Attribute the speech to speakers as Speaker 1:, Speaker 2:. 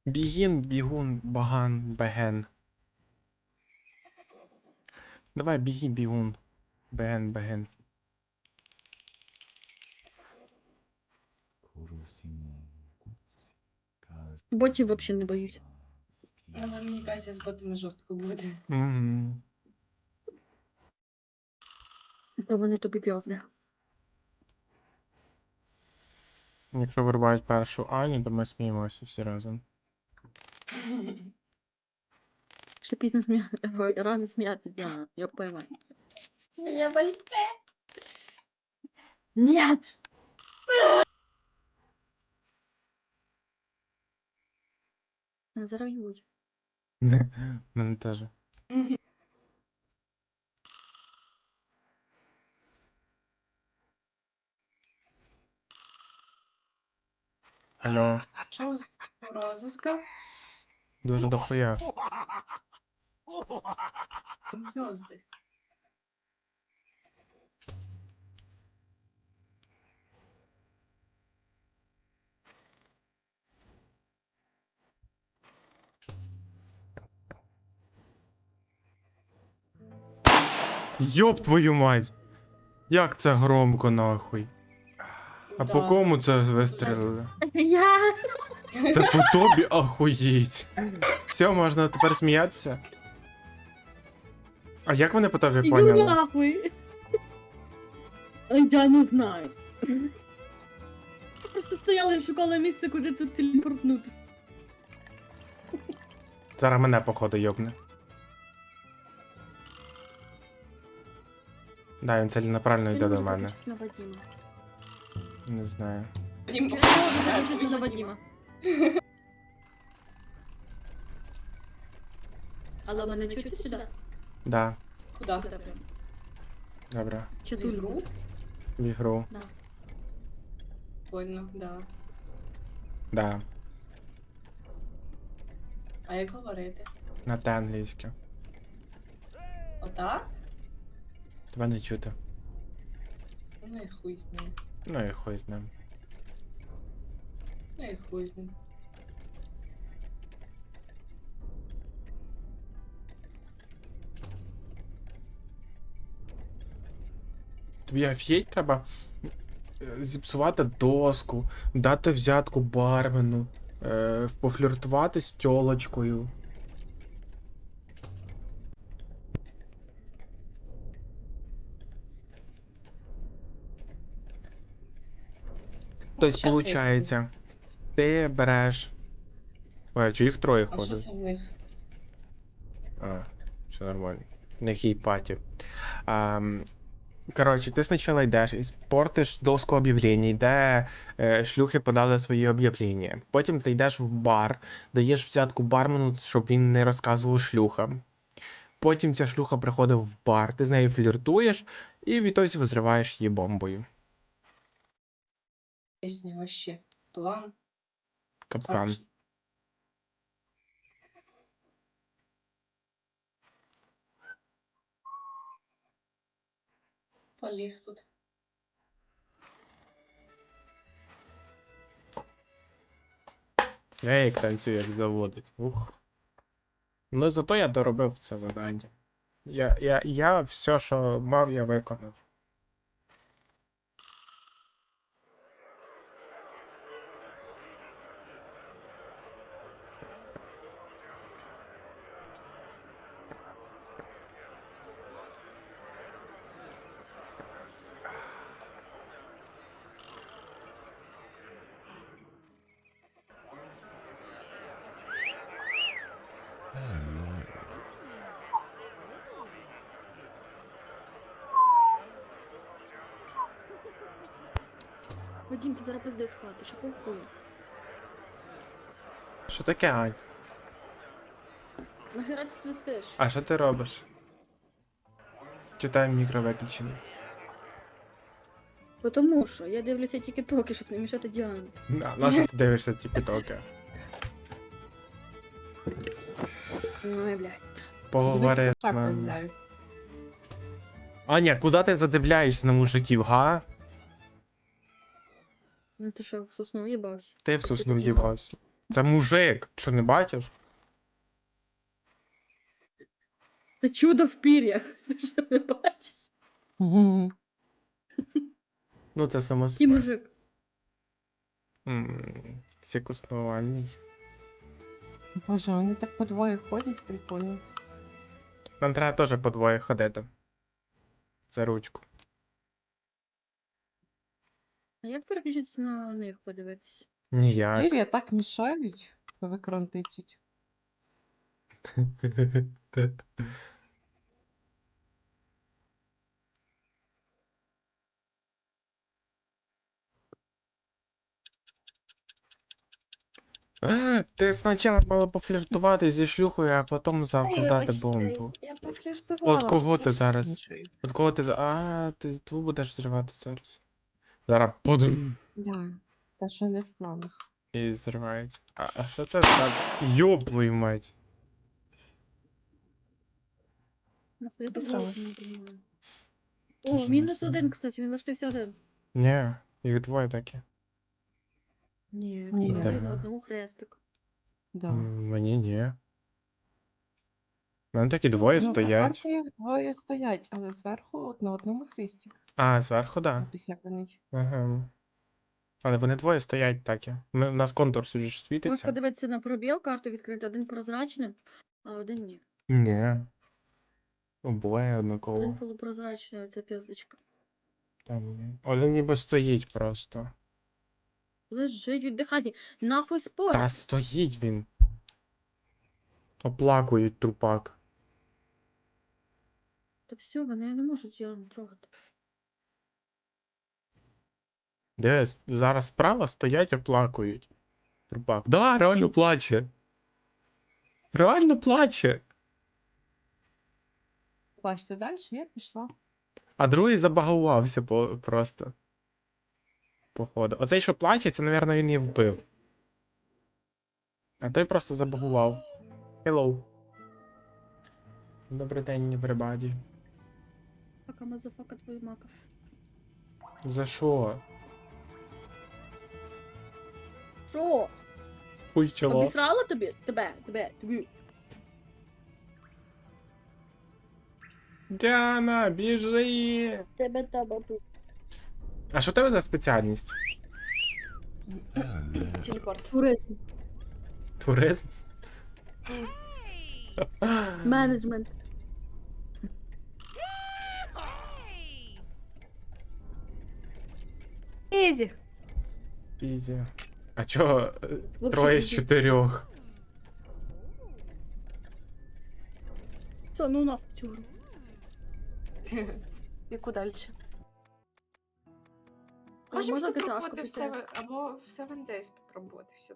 Speaker 1: Бігін, бігун, баган, беген. Давай, біги, бігун. Беген, беген.
Speaker 2: Ботів взагалі не боюсь.
Speaker 3: Але мені кажеться, з ботами жорстко буде.
Speaker 1: Угу.
Speaker 2: То вони тобі п'язне.
Speaker 1: Якщо вирубають першу Аню, то ми сміємося всі разом.
Speaker 2: Ще пізно рано сміятися, Діана, я поймаю.
Speaker 3: Я боюсь.
Speaker 2: Нет! Зарають.
Speaker 1: Мене теж. Алло,
Speaker 3: Що з розыска?
Speaker 1: дуже дохуя.
Speaker 3: Гнезди.
Speaker 1: Йоп твою мать! Як це громко нахуй? А по кому це вистрілили?
Speaker 2: Я!
Speaker 1: Це по тобі ахуєть. Все, можна тепер сміятися? А як вони по тобі
Speaker 2: Іди
Speaker 1: поняли?
Speaker 2: нахуй! Я не знаю. Просто стояла і шукала місце, куди це телепортнути.
Speaker 1: Зараз мене походу йобне. Да, він ціленаправленно йде до мене.
Speaker 2: На Вадима.
Speaker 1: Не знаю.
Speaker 3: Дім,
Speaker 2: Чого на Вадима? Алло, мене чути сюди?
Speaker 1: Да,
Speaker 3: Куда?
Speaker 2: Куди прям?
Speaker 1: добре.
Speaker 2: Чи
Speaker 3: В
Speaker 2: тут?
Speaker 3: ігру?
Speaker 1: В ігру.
Speaker 2: Да.
Speaker 3: Больно, да.
Speaker 1: Да.
Speaker 3: А як говорити?
Speaker 1: На те англійське.
Speaker 3: Отак?
Speaker 1: Тебе не чути.
Speaker 3: Ну і хуй з ним.
Speaker 1: Ну і хуй з ним.
Speaker 3: Ну і хуй з ним.
Speaker 1: Тобі офігеть треба зіпсувати доску, дати взятку бармену, пофліртувати з тьолочкою. Тобто,
Speaker 3: Щас я їх
Speaker 1: виходить, ти береш. Ой, чи їх троє
Speaker 3: А що
Speaker 1: ходить?
Speaker 3: це в них?
Speaker 1: А, все нормально. На якій паті. Коротше, ти спочатку йдеш і портиш доску об'явлень, де шлюхи подали свої об'явлення. Потім ти йдеш в бар, даєш взятку бармену, щоб він не розказував шлюхам. Потім ця шлюха приходить в бар, ти з нею фліртуєш і відтоді взриваєш її бомбою.
Speaker 3: Пісня вообще. План.
Speaker 1: Капкан.
Speaker 3: Хороший. Поліг тут.
Speaker 1: Я як танцюю, як заводить. Ух. Ну зато я доробив це завдання. Я все, що мав, я виконав.
Speaker 2: Вадим, ти зараз пиздець схватиш, а похуй.
Speaker 1: Що таке, Ань?
Speaker 2: Нахера ти свистиш?
Speaker 1: А що ти робиш? Читай мікро виключений.
Speaker 2: Тому що я дивлюся тільки-токи, щоб не мішати Діані.
Speaker 1: На що ти дивишся тік-токи?
Speaker 2: Ой, блядь.
Speaker 1: Поговори з нами. Аня, куди ти задивляєшся на мужиків, га?
Speaker 2: Ну ти що, в сосну їбався?
Speaker 1: Ти в сосну в'їбався. Це мужик, що не бачиш?
Speaker 2: Це чудо в пір'ях. Ти що не бачиш?
Speaker 1: Ну, це само
Speaker 2: Який
Speaker 1: собою.
Speaker 2: мужик?
Speaker 1: Сікуснувальний.
Speaker 4: Боже, вони так по двоє ходять, прикольно.
Speaker 1: Нам треба теж по двоє ходити. За ручку.
Speaker 2: А як переключитися на них подивитися?
Speaker 1: Ніяк.
Speaker 4: Ірія так мішають, в екран тицять.
Speaker 1: Ти спочатку мала пофліртувати зі шлюхою, а потім завдати бомбу.
Speaker 4: Я пофліртувала.
Speaker 1: От кого ти
Speaker 4: просто
Speaker 1: зараз?
Speaker 4: іншою.
Speaker 1: От кого ти. А, ти ту будеш зривати зараз. Зараз подум.
Speaker 4: Да, та що не в планах.
Speaker 1: І зривається. А що це так? Йоп твою мать.
Speaker 2: На свою
Speaker 4: Писалась.
Speaker 2: позволу.
Speaker 1: Ти
Speaker 2: О,
Speaker 1: ж
Speaker 2: мінус
Speaker 1: не
Speaker 2: один, кстати, він лишився один.
Speaker 1: Ні, їх двоє такі.
Speaker 2: Ні,
Speaker 4: Ні.
Speaker 2: він
Speaker 1: Да.
Speaker 2: на одному хрестик.
Speaker 4: Да.
Speaker 1: Мені ні. У мене такі двоє
Speaker 4: Ну,
Speaker 1: стоять.
Speaker 4: тепер їх двоє стоять, але зверху от на одному хресті.
Speaker 1: А, зверху, да.
Speaker 4: Напис як вони.
Speaker 1: Ага. Але вони двоє стоять такі. У нас контур сюди ж
Speaker 2: Можеш
Speaker 1: світиться.
Speaker 2: подивитися на пробіл, карту відкрити, один прозрачний, а один ні.
Speaker 1: Ні. Обоє
Speaker 2: Один
Speaker 1: однаково.
Speaker 2: полупрозрачний, оця п'язочка.
Speaker 1: Там ні. Один ніби стоїть просто.
Speaker 2: Лежить, віддихати. Нахуй спор.
Speaker 1: Та стоїть він. Оплакують трупак.
Speaker 2: Та все, вони не можуть його трогати.
Speaker 1: Дивись, зараз справа стоять, оплакують. Трупак. Да, реально плаче. Реально плаче.
Speaker 4: Бачите, далі я пішла.
Speaker 1: А другий забагувався просто. Походу. Оцей, що плаче, це, мабуть, він її вбив. А той просто забагував. Hello. Добрий день, everybody.
Speaker 2: Пока мазафака твою мака.
Speaker 1: За що?
Speaker 2: Що?
Speaker 1: Хуй чоло.
Speaker 2: Обісрала тобі? Тобі.
Speaker 1: Діана, біжи!
Speaker 2: Тебе таба тут.
Speaker 1: А що в тебе за спеціальність?
Speaker 3: Телепорт.
Speaker 2: Туризм.
Speaker 1: Туризм?
Speaker 2: Менеджмент. Ізі.
Speaker 1: Пізі. А чого
Speaker 2: Вообще
Speaker 1: троє з
Speaker 2: ізі.
Speaker 1: 4?
Speaker 2: Все, ну нас пчур.
Speaker 3: Яку далі?
Speaker 2: Можна
Speaker 5: Можемо
Speaker 2: GTA-шку
Speaker 5: спробувати в
Speaker 2: піти?
Speaker 5: або в Seven Days спробувати все